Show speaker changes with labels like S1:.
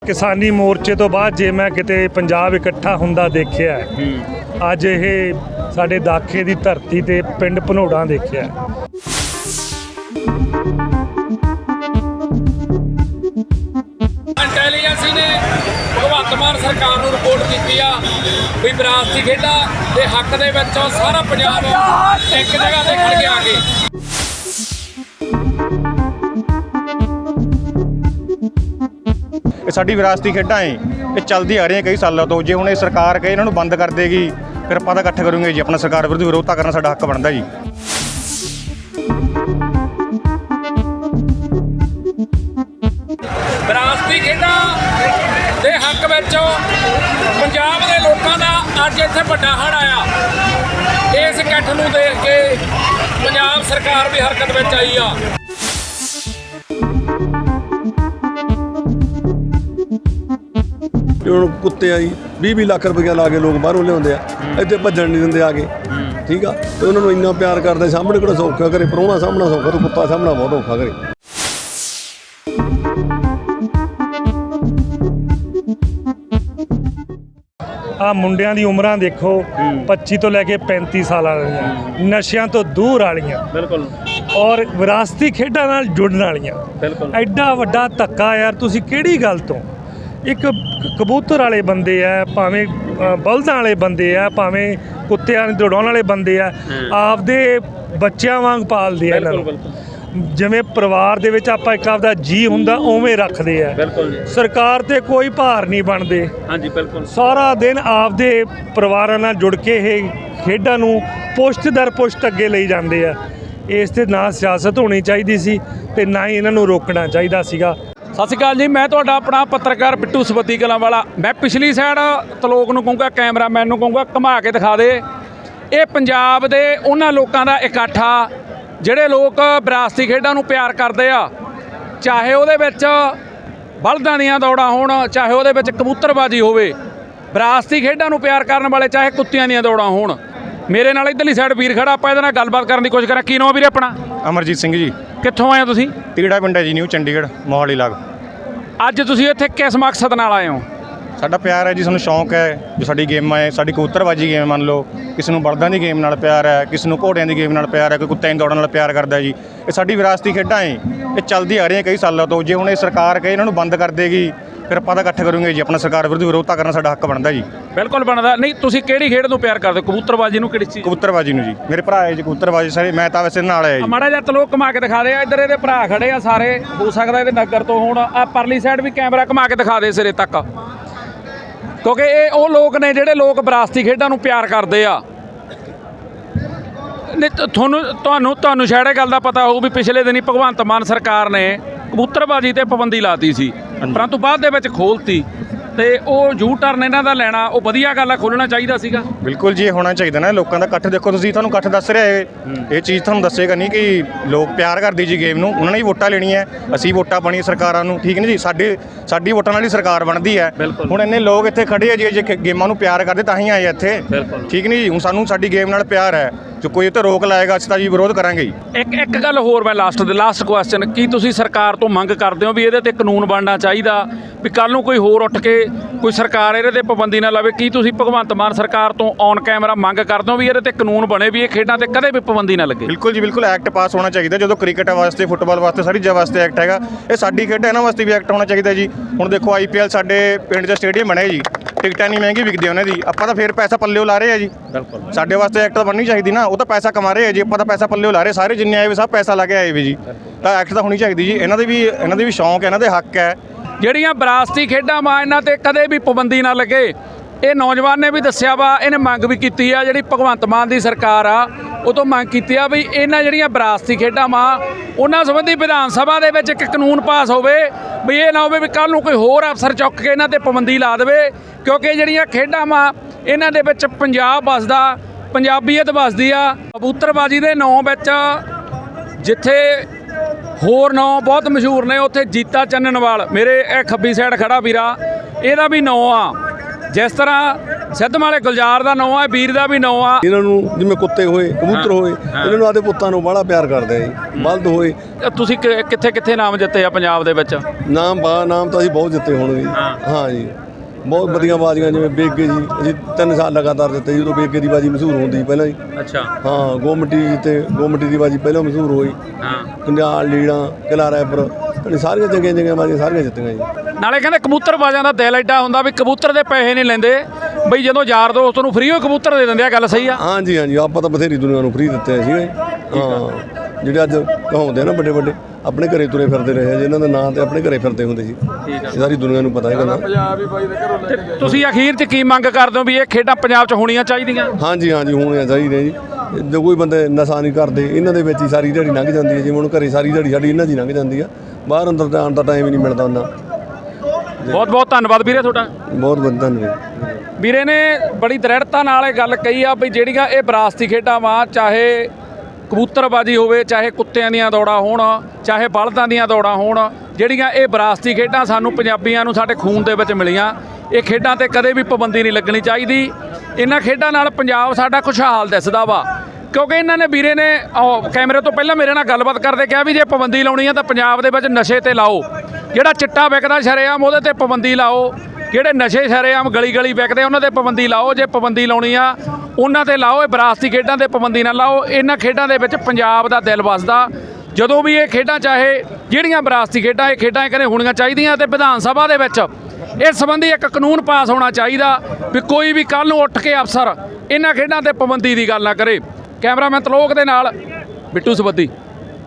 S1: किसानी मोर्चे तो बाद जे मैं किते पंजाब इकट्ठा हुंदा देखिया अज ये साडे दाखे दी धरती ते पिंड भनोड़ा देखिया।
S2: इंटैलीजेंसी ने भगवंत मान सरकार नूं रिपोर्ट की भी विरासती खेडां दे हक दे विच सारा पंजाब एक जगह ते खड़ गया आगे।
S3: साडी विरासती खेडां है ये चलदी आ रही कई सालों तो। जे हुण ये सरकार कहे इन्हां नूं बंद कर देगी फिर आपां तां इकट्ठे करूंगे जी, अपना सरकार विरुद्ध विरोधता करना साडा हक बनदा जी।
S2: विरासती खेडां दे हक विच पंजाब दे लोकां दा अज इत्थे वड्डा हड़ आया। इस इकट्ठ नूं देख के पंजाब सरकार भी हरकत विच आई आ।
S4: कुत्ते आई 20-20 लाख रुपया ला के लोग बाहरों लिया इतने भजन नहीं देंगे आगे, ठीक है। तो उन्होंने इन्ना प्यार करते सामने किहड़ा सौखा करे, प्राहुणा सामना सौखा तो कुत्ता सामना बहुत औखा करे।
S1: आ मुंडियां दी उमरां देखो 25 तो लैके 35 साल वालियां, नशियां तो दूर वालियां
S2: बिल्कुल
S1: और विरासती खेडां नाल जुड़न वालियां।
S2: बिल्कुल
S1: एडा वड्डा धक्का यार, तुसीं किहड़ी गल तो एक कबूतर वाले बंदे आ, भावें बलदां वाले बंदे आ, भावें कुत्तियां नूं दौड़ाउण वाले बंदे आ, आपदे बच्चियां वांग पालदे आ इन्हां नूं। जिवें परिवार दे विच आपां एक आपदा जी हुंदा उवें रखदे आ।
S2: बिल्कुल
S1: सरकार ते कोई भार नहीं बनदे।
S2: हाँ जी बिल्कुल
S1: सारा दिन आपदे परिवारां नाल जुड़ के ਇਹ ਖੇਡਾਂ ਨੂੰ ਪੁਸ਼ਤ ਦਰ ਪੁਸ਼ਤ ਅੱਗੇ ਲਈ ਜਾਂਦੇ ਆ। ਇਸ ਤੇ ਨਾ ਸਿਆਸਤ ਹੋਣੀ ਚਾਹੀਦੀ ਸੀ ਤੇ ਨਾ ਹੀ ਇਹਨਾਂ ਨੂੰ ਰੋਕਣਾ ਚਾਹੀਦਾ ਸੀਗਾ।
S2: ਸਤਿ ਸ਼੍ਰੀ ਅਕਾਲ ਜੀ, ਮੈਂ ਤੁਹਾਡਾ ਆਪਣਾ ਪੱਤਰਕਾਰ ਬਿੱਟੂ ਸਬੱਦੀ ਕਲਾਂ ਵਾਲਾ। ਮੈਂ ਪਿਛਲੀ ਸਾਈਡ ਤਲੋਕ ਨੂੰ ਕਹੂੰਗਾ, ਕੈਮਰਾਮੈਨ ਨੂੰ ਕਹੂੰਗਾ ਘੁਮਾ ਕੇ ਦਿਖਾ ਦੇ। ਇਹ ਪੰਜਾਬ ਦੇ ਉਹਨਾਂ ਲੋਕਾਂ ਦਾ ਇਕੱਠ ਆ ਜਿਹੜੇ ਲੋਕ ਵਿਰਾਸਤੀ ਖੇਡਾਂ ਨੂੰ ਪਿਆਰ ਕਰਦੇ ਆ, ਚਾਹੇ ਉਹਦੇ ਵਿੱਚ ਬਲਦਾਂ ਦੀਆਂ ਦੌੜਾਂ ਹੋਣ, ਚਾਹੇ ਉਹਦੇ ਵਿੱਚ ਕਬੂਤਰਬਾਜੀ ਹੋਵੇ। ਵਿਰਾਸਤੀ ਖੇਡਾਂ ਨੂੰ ਪਿਆਰ ਕਰਨ ਵਾਲੇ ਚਾਹੇ ਕੁੱਤਿਆਂ ਦੀਆਂ ਦੌੜਾਂ ਹੋਣ। ਮੇਰੇ ਨਾਲ ਇੱਧਰਲੀ ਸਾਈਡ ਵੀਰ ਖੜਾ, ਆਪਾਂ ਇਹਦੇ ਨਾਲ ਗੱਲਬਾਤ ਕਰਨ ਦੀ ਕੋਸ਼ਿਸ਼ ਕਰਾਂ। ਕੀ ਨਾਮ ਵੀਰੇ ਆਪਣਾ?
S3: ਅਮਰਜੀਤ ਸਿੰਘ ਜੀ।
S2: ਕਿੱਥੋਂ ਆਏ ਹੋ ਤੁਸੀਂ?
S3: ਤੀੜਾ ਪਿੰਡ ਹੈ ਜੀ, ਨਿਊ ਚੰਡੀਗੜ੍ਹ ਮੋਹਾਲੀ ਲਾਗ।
S2: ਅੱਜ ਤੁਸੀਂ ਇੱਥੇ ਕਿਸ ਮਕਸਦ ਨਾਲ ਆਏ ਹੋ?
S3: ਸਾਡਾ ਪਿਆਰ ਹੈ ਜੀ, ਸਾਨੂੰ ਸ਼ੌਂਕ ਹੈ ਜੋ ਸਾਡੀ ਗੇਮਾਂ ਹੈ, ਸਾਡੀ ਕਬੂਤਰਬਾਜੀ ਗੇਮ ਮੰਨ ਲਓ, ਕਿਸੇ ਨੂੰ ਬਲਦਾਂ ਦੀ ਗੇਮ ਨਾਲ ਪਿਆਰ ਹੈ, ਕਿਸੇ ਨੂੰ ਘੋੜਿਆਂ ਦੀ ਗੇਮ ਨਾਲ ਪਿਆਰ ਹੈ, ਕੋਈ ਕੁੱਤਿਆਂ ਦੀ ਦੌੜਨ ਨਾਲ ਪਿਆਰ ਕਰਦਾ ਜੀ। ਇਹ ਸਾਡੀ ਵਿਰਾਸਤੀ ਖੇਡਾਂ ਹੈ ਇਹ ਚਲਦੀ ਆ ਰਹੀਆਂ ਕਈ ਸਾਲਾਂ ਤੋਂ। ਜੇ ਹੁਣ ਇਹ ਸਰਕਾਰ ਕਹੇ ਇਹਨਾਂ ਨੂੰ ਬੰਦ ਕਰ ਦੇਗੀ ਫਿਰ ਆਪਾਂ ਤਾਂ ਇਕੱਠੇ ਕਰੂੰਗੇ ਜੀ, ਆਪਣਾ ਸਰਕਾਰ ਵਿਰੁੱਧ ਵਿਰੋਧਤਾ ਕਰਨਾ ਸਾਡਾ ਹੱਕ ਬਣਦਾ ਜੀ।
S2: ਬਿਲਕੁਲ ਬਣਦਾ। ਨਹੀਂ ਤੁਸੀਂ ਕਿਹੜੀ ਖੇਡ ਨੂੰ ਪਿਆਰ ਕਰਦੇ ਹੋ? ਕਬੂਤਰਬਾਜੀ ਨੂੰ? ਕਿਹੜੀ ਚੀਜ਼?
S3: ਕਬੂਤਰਬਾਜੀ ਨੂੰ ਜੀ। ਮੇਰੇ ਭਰਾ ਹੈ ਜੀ ਕਬੂਤਰਬਾਜੀ ਸਾਰੇ, ਮੈਂ ਤਾਂ ਵੈਸੇ ਨਾਲ ਆਇਆ ਜੀ।
S2: ਮਾੜਾ ਜਿਹਾ ਤਲੋਕ ਘੁਮਾ ਕੇ ਦਿਖਾ ਦੇ। ਇੱਧਰ ਇਹਦੇ ਭਰਾ ਖੜੇ ਆ ਸਾਰੇ, ਹੋ ਸਕਦਾ ਇਹਦੇ ਨਗਰ ਤੋਂ ਹੋਣ। ਆ ਪਰਲੀ ਸਾਈਡ ਵੀ ਕੈਮਰਾ ਘੁਮਾ ਕੇ ਦਿਖਾ ਦੇ ਸਿਰੇ ਤੱਕ, ਕਿਉਂਕਿ ਇਹ ਉਹ ਲੋਕ ਨੇ ਜਿਹੜੇ ਲੋਕ ਵਿਰਾਸਤੀ ਖੇਡਾਂ ਨੂੰ ਪਿਆਰ ਕਰਦੇ ਆ। ਤੁਹਾਨੂੰ ਸ਼ਾਇਦ ਇਹ ਗੱਲ ਦਾ ਪਤਾ ਹੋਊ ਵੀ ਪਿਛਲੇ ਦਿਨੀ ਭਗਵੰਤ ਮਾਨ ਸਰਕਾਰ ਨੇ ਕਬੂਤਰਬਾਜੀ ਤੇ ਪਾਬੰਦੀ ਲਾਤੀ ਸੀ, ਪਰੰਤੂ ਬਾਅਦ ਦੇ ਵਿੱਚ ਖੋਲ੍ਹਤੀ। ਤੇ ਉਹ ਯੂ ਟਰਨ ਇਹਨਾਂ ਦਾ ਲੈਣਾ ਉਹ ਵਧੀਆ ਗੱਲ ਆ, ਖੋਲ੍ਹਣਾ ਚਾਹੀਦਾ ਸੀਗਾ।
S3: ਬਿਲਕੁਲ ਜੀ, ਹੋਣਾ ਚਾਹੀਦਾ ਨਾ। ਲੋਕਾਂ ਦਾ ਇਕੱਠ ਦੇਖੋ ਤੁਸੀਂ, ਤੁਹਾਨੂੰ ਇਕੱਠ ਦੱਸ ਰਿਹਾ ਇਹ ਚੀਜ਼ ਤੁਹਾਨੂੰ ਦੱਸੇਗਾ ਨਹੀਂ ਕਿ ਲੋਕ ਪਿਆਰ ਕਰਦੇ ਜੀ ਗੇਮ ਨੂੰ। ਉਹਨਾਂ ਨੇ ਹੀ ਵੋਟਾਂ ਲੈਣੀਆਂ, ਅਸੀਂ ਵੋਟਾਂ ਪਾਣੀਆਂ ਸਰਕਾਰਾਂ ਨੂੰ, ਠੀਕ ਨਹੀਂ ਜੀ। ਸਾਡੀ ਵੋਟਾਂ ਨਾਲ ਹੀ ਸਰਕਾਰ ਬਣਦੀ ਹੈ। ਹੁਣ ਇੰਨੇ ਲੋਕ ਇੱਥੇ ਖੜੇ ਆ ਜੀ, ਜੇ ਗੇਮਾਂ ਨੂੰ ਪਿਆਰ ਕਰਦੇ ਤਾਂ ਹੀ ਆਏ ਇੱਥੇ, ਠੀਕ ਨਹੀਂ ਜੀ। ਹੁਣ ਸਾਨੂੰ ਸਾਡੀ ਗੇਮ ਨਾਲ ਪਿਆਰ ਹੈ, ਜੋ ਕੋਈ ਤੇ ਰੋਕ ਲਾਏਗਾ ਅਸੀਂ ਤਾਂ ਜੀ ਵਿਰੋਧ ਕਰਾਂਗੇ ਜੀ।
S2: ਇੱਕ ਗੱਲ ਹੋਰ, ਮੈਂ ਲਾਸਟ ਕੁਐਸਚਨ, ਕੀ ਤੁਸੀਂ ਸਰਕਾਰ ਤੋਂ ਮੰਗ ਕਰਦੇ ਹੋ ਵੀ ਇਹਦੇ ਤੇ ਕਾਨੂੰਨ ਬਣਨਾ ਚਾਹੀਦਾ ਵੀ ਕੱਲ੍ਹ ਨੂੰ ਕੋਈ ਹੋਰ ਉੱਠ ਕੇ ਕੋਈ ਸਰਕਾਰ ਇਹਦੇ ਤੇ ਪਾਬੰਦੀ ਨਾ ਲਾਵੇ? ਕੀ ਤੁਸੀਂ ਭਗਵੰਤ ਮਾਨ ਸਰਕਾਰ ਤੋਂ ਔਨ ਕੈਮਰਾ ਮੰਗ ਕਰਦੇ ਹੋ ਵੀ ਇਹਦੇ ਤੇ ਕਾਨੂੰਨ ਬਣੇ ਵੀ ਇਹ ਖੇਡਾਂ ਤੇ ਕਦੇ ਵੀ ਪਾਬੰਦੀ ਨਾ ਲੱਗੇ?
S3: ਬਿਲਕੁਲ ਜੀ, ਬਿਲਕੁਲ ਐਕਟ ਪਾਸ ਹੋਣਾ ਚਾਹੀਦਾ। ਜਦੋਂ ਕ੍ਰਿਕਟ ਵਾਸਤੇ, ਫੁੱਟਬਾਲ ਵਾਸਤੇ, ਸਾਰੀ ਚੀਜ਼ਾਂ ਵਾਸਤੇ ਐਕਟ ਹੈਗਾ, ਇਹ ਸਾਡੀ ਖੇਡ ਇਹਨਾਂ ਵਾਸਤੇ ਵੀ ਐਕਟ ਹੋਣਾ ਚਾਹੀਦਾ ਜੀ। ਹੁਣ ਦੇਖੋ IPL ਸਾਡੇ ਪਿੰਡ 'ਚ ਸਟੇਡੀਅਮ ਬਣੇ ਜੀ, ਟਿਕਟਾਂ ਨਹੀਂ ਮਹਿੰਗੀ ਵਿਕਦੀ ਉਹਨਾਂ ਦੀ, ਆਪਾਂ ਤਾਂ ਫਿਰ ਪੈਸਾ ਪੱਲਿਓ ਲਾ ਰਹੇ ਆ ਜੀ। ਬਿਲਕੁਲ ਸਾਡੇ ਵਾਸਤੇ ਐਕਟ ਤਾਂ ਬਣਨੀ ਚਾਹੀਦੀ ਨਾ। ਉਹ ਤਾਂ ਪੈਸਾ ਕਮਾ ਰਹੇ ਆ ਜੀ, ਆਪਾਂ ਤਾਂ ਪੈਸਾ ਪੱਲਿਓ ਲਾ ਰਹੇ। ਸਾਰੇ ਜਿੰਨੇ ਆਏ ਵੀ ਸਭ ਪੈਸਾ ਲਾ ਕੇ ਆਏ ਵੀ ਜੀ, ਤਾਂ ਐਕਟ ਤਾਂ ਹੋਣੀ ਚਾਹੀਦੀ ਜੀ। ਇਹਨਾਂ ਦੇ ਵੀ ਸ਼ੌਂਕ ਹੈ, ਇਹਨਾਂ ਦੇ ਹੱਕ ਹੈ।
S2: ਜਿਹੜੀਆਂ ਵਿਰਾਸਤੀ ਖੇਡਾਂ ਵਾ ਇਹਨਾਂ ਤੇ ਕਦੇ ਵੀ ਪਾਬੰਦੀ ਨਾ ਲੱਗੇ। ਇਹ ਨੌਜਵਾਨ ਨੇ ਵੀ ਦੱਸਿਆ ਵਾ, ਇਹਨੇ ਮੰਗ ਵੀ ਕੀਤੀ ਆ, ਜਿਹੜੀ ਭਗਵੰਤ ਮਾਨ ਦੀ ਸਰਕਾਰ ਆ ਉਹ ਤੋਂ ਮੰਗ ਕੀਤੀ ਆ ਵੀ ਇਹਨਾਂ ਜਿਹੜੀਆਂ ਵਿਰਾਸਤੀ ਖੇਡਾਂ ਵਾ ਉਹਨਾਂ ਸੰਬੰਧੀ ਵਿਧਾਨ ਸਭਾ ਦੇ ਵਿੱਚ ਇੱਕ ਕਾਨੂੰਨ ਪਾਸ ਹੋਵੇ ਵੀ ਇਹ ਨਾ ਹੋਵੇ ਵੀ ਕੱਲ੍ਹ ਨੂੰ ਕੋਈ ਹੋਰ ਅਫਸਰ ਚੁੱਕ ਕੇ ਇਹਨਾਂ ਤੇ ਪਾਬੰਦੀ ਲਾ ਦੇਵੇ। ਕਿਉਂਕਿ ਜਿਹੜੀਆਂ ਖੇਡਾਂ ਵਾ ਇਹਨਾਂ ਦੇ ਵਿੱਚ ਪੰਜਾਬ ਵੱਸਦਾ, ਪੰਜਾਬੀਅਤ ਵੱਸਦੀ ਆ। ਕਬੂਤਰਬਾਜੀ ਦੇ ਨਾਂ ਵਿੱਚ ਜਿੱਥੇ ਹੋਰ ਨਾਂ ਬਹੁਤ ਮਸ਼ਹੂਰ ਨੇ, ਉੱਥੇ ਜੀਤਾ ਚੰਨਣਵਾਲ ਮੇਰੇ ਇਹ ਖੱਬੀ ਸਾਈਡ ਖੜਾ ਵੀਰਾ, ਇਹਦਾ ਵੀ ਨਾਂ ਆ। ਜਿਸ ਤਰ੍ਹਾਂ ਸਿੱਧਮ ਵਾਲੇ ਗੁਲਜ਼ਾਰ ਦਾ ਨਾਂ ਆ, ਵੀਰ ਦਾ ਵੀ ਨਾਂ ਆ।
S4: ਇਹਨਾਂ ਨੂੰ ਜਿਵੇਂ ਕੁੱਤੇ ਹੋਏ, ਕਬੂਤਰ ਹੋਏ, ਇਹਨਾਂ ਨੂੰ ਆਦੇ ਪੁੱਤਾਂ ਨੂੰ ਬੜਾ ਪਿਆਰ ਕਰਦੇ ਆ ਜੀ। ਬਲਦ ਹੋਏ,
S2: ਤੁਸੀਂ ਕਿੱਥੇ ਕਿੱਥੇ ਨਾਮ ਜਿੱਤੇ ਆ ਪੰਜਾਬ ਦੇ ਵਿੱਚ?
S4: ਨਾਮ ਤਾਂ ਅਸੀਂ ਬਹੁਤ ਜਿੱਤੇ ਹੋਣਗੇ ਜੀ। ਹਾਂ ਜੀ, ਬਹੁਤ ਵਧੀਆ ਬਾਜ਼ੀਆਂ, ਜਿਵੇਂ ਬੇਗੇ ਜੀ ਅਸੀਂ 3 ਸਾਲ ਲਗਾਤਾਰ ਜਿੱਤੇ ਜੀ। ਉਦੋਂ ਬੇਗੇ ਦੀ ਬਾਜੀ ਮਸ਼ਹੂਰ ਹੁੰਦੀ ਪਹਿਲਾਂ ਜੀ।
S2: ਅੱਛਾ।
S4: ਹਾਂ, ਗੋਮਟੀ ਜਿੱਤੇ, ਗੋਮਟੀ ਦੀ ਬਾਜੀ ਪਹਿਲਾਂ ਮਸ਼ਹੂਰ ਹੋਈ।
S2: ਹਾਂ,
S4: ਕੰਡਿਆਲ, ਲੀੜਾ, ਕਿਲਾ ਰਾਏਪੁਰ, ਸਾਰੀਆਂ ਚੰਗੀਆਂ ਬਾਜ਼ੀਆਂ ਸਾਰੀਆਂ ਜਿੱਤੀਆਂ ਜੀ।
S2: ਨਾਲੇ ਕਹਿੰਦੇ ਕਬੂਤਰਬਾਜ਼ਾਂ ਦਾ ਦਿਲ ਐਡਾ ਹੁੰਦਾ ਵੀ ਕਬੂਤਰ ਦੇ ਪੈਸੇ ਨਹੀਂ ਲੈਂਦੇ, ਬਈ ਜਦੋਂ ਯਾਰ ਦੋਸਤ ਨੂੰ ਫ੍ਰੀ ਹੋ ਕਬੂਤਰ ਦੇ ਦਿੰਦੇ ਆ। ਗੱਲ ਸਹੀ ਆ?
S4: ਹਾਂਜੀ ਹਾਂਜੀ, ਆਪਾਂ ਤਾਂ ਬਥੇਰੀ ਦੁਨੀਆ ਨੂੰ ਫ੍ਰੀ ਦਿੱਤੇ ਸੀਗੇ। ਹਾਂ, ਜਿਹੜੇ ਅੱਜ ਕਹਾਉਂਦੇ ਆ ਨਾ ਵੱਡੇ ਵੱਡੇ, ਆਪਣੇ ਘਰੇ ਤੁਰੇ ਫਿਰਦੇ ਰਹੇ, ਜਿਨ੍ਹਾਂ ਦਾ ਨਾਂ ਤੇ ਆਪਣੇ ਘਰੇ ਫਿਰਦੇ ਹੁੰਦੇ ਸੀ। ਇਹ ਸਾਰੀ ਦੁਨੀਆ ਨੂੰ ਪਤਾ ਹੈ ਗੱਲ।
S2: ਤੁਸੀਂ ਅਖੀਰ 'ਚ ਕੀ ਮੰਗ ਕਰਦੇ ਹੋ ਵੀ ਇਹ ਖੇਡਾਂ ਪੰਜਾਬ 'ਚ ਹੋਣੀਆਂ ਚਾਹੀਦੀਆਂ?
S4: ਹਾਂਜੀ ਹਾਂਜੀ, ਹੋਣੀਆਂ ਚਾਹੀਦੀਆਂ ਜੀ। ਜੋ ਕੋਈ ਬੰਦੇ ਨਸ਼ਾ ਨਹੀਂ ਕਰਦੇ, ਇਹਨਾਂ ਦੇ ਵਿੱਚ ਹੀ ਸਾਰੀ ਦਿਹਾੜੀ ਲੰਘ ਜਾਂਦੀ ਹੈ। ਜਿਵੇਂ ਹੁਣ ਘਰੇ ਸਾਰੀ ਦਿਹਾੜੀ ਸਾਡੀ ਇਹਨਾਂ 'ਚ ਹੀ ਲੰਘ ਜਾਂਦੀ ਆ, ਬਾਹਰ ਅੰਦਰ ਜਾਣ ਦਾ ਟਾਈਮ ਹੀ ਨਹੀਂ ਮਿਲਦਾ ਉਹਨਾਂ।
S2: ਬਹੁਤ ਬਹੁਤ ਧੰਨਵਾਦ ਵੀਰੇ ਤੁਹਾਡਾ।
S4: ਬਹੁਤ ਬਹੁਤ ਧੰਨਵਾਦ।
S2: ਵੀਰੇ ਨੇ ਬੜੀ ਦ੍ਰਿੜਤਾ ਨਾਲ ਇਹ ਗੱਲ ਕਹੀ ਆ ਵੀ ਜਿਹੜੀਆਂ ਇਹ ਵਿਰਾਸਤੀ ਖੇਡਾਂ ਵਾ, ਚਾਹੇ ਕਬੂਤਰਬਾਜੀ ਹੋਵੇ, ਚਾਹੇ ਕੁੱਤਿਆਂ ਦੀਆਂ ਦੌੜਾਂ ਹੋਣ, ਚਾਹੇ ਬਲਦਾਂ ਦੀਆਂ ਦੌੜਾਂ ਹੋਣ, ਜਿਹੜੀਆਂ ਇਹ ਵਿਰਾਸਤੀ ਖੇਡਾਂ ਸਾਨੂੰ ਪੰਜਾਬੀਆਂ ਨੂੰ ਸਾਡੇ ਖੂਨ ਦੇ ਵਿੱਚ ਮਿਲੀਆਂ। ਇਹ ਖੇਡਾਂ ਤੇ ਕਦੇ ਵੀ ਪਾਬੰਦੀ ਨਹੀਂ ਲੱਗਣੀ ਚਾਹੀਦੀ। ਇਹਨਾਂ ਖੇਡਾਂ ਨਾਲ ਪੰਜਾਬ ਸਾਡਾ ਖੁਸ਼ਹਾਲ ਦਿਸਦਾ ਵਾ, ਕਿਉਂਕਿ ਇਹਨਾਂ ਨੇ ਵੀਰੇ ਨੇ ਕੈਮਰੇ ਤੋਂ ਪਹਿਲਾਂ ਮੇਰੇ ਨਾਲ ਗੱਲਬਾਤ ਕਰਦੇ ਕਿਹਾ ਵੀ ਜੇ ਪਾਬੰਦੀ ਲਾਉਣੀ ਆ ਤਾਂ ਪੰਜਾਬ ਦੇ ਵਿੱਚ ਨਸ਼ੇ ਤੇ ਲਾਓ। ਜਿਹੜਾ ਚਿੱਟਾ ਵਿਕਦਾ ਸ਼ਰੇਆਮ ਉਹਦੇ ਤੇ ਪਾਬੰਦੀ ਲਾਓ, ਜਿਹੜੇ ਨਸ਼ੇ ਸ਼ਰੇਆਮ ਗਲੀ ਗਲੀ ਵਿਕਦੇ ਉਹਨਾਂ ਤੇ ਪਾਬੰਦੀ ਲਾਓ। ਜੇ ਪਾਬੰਦੀ ਲਾਉਣੀ ਆ ਉਹਨਾਂ ਤੇ ਲਾਓ, ਇਹ ਵਿਰਾਸਤੀ ਖੇਡਾਂ ਤੇ ਪਾਬੰਦੀ ਨਾ ਲਾਓ। ਇਹਨਾਂ ਖੇਡਾਂ ਦੇ ਵਿੱਚ ਪੰਜਾਬ ਦਾ ਦਿਲ ਵੱਸਦਾ। ਜਦੋਂ ਵੀ ਇਹ ਖੇਡਾਂ, ਚਾਹੇ ਜਿਹੜੀਆਂ ਵਿਰਾਸਤੀ ਖੇਡਾਂ, ਇਹ ਖੇਡਾਂ ਕਹਿੰਦੇ ਹੋਣੀਆਂ ਚਾਹੀਦੀਆਂ ਤੇ ਵਿਧਾਨ ਸਭਾ ਦੇ ਵਿੱਚ ਇਸ ਸੰਬੰਧੀ ਇੱਕ ਕਾਨੂੰਨ ਪਾਸ ਹੋਣਾ ਚਾਹੀਦਾ ਵੀ ਕੋਈ ਵੀ ਕੱਲ੍ਹ ਨੂੰ ਉੱਠ ਕੇ ਅਫਸਰ ਇਹਨਾਂ ਖੇਡਾਂ ਤੇ ਪਾਬੰਦੀ ਦੀ ਗੱਲ ਨਾ ਕਰੇ। ਕੈਮਰਾਮੈਨ ਤਲੋਕ ਦੇ ਨਾਲ ਬਿੱਟੂ ਸਬੱਦੀ।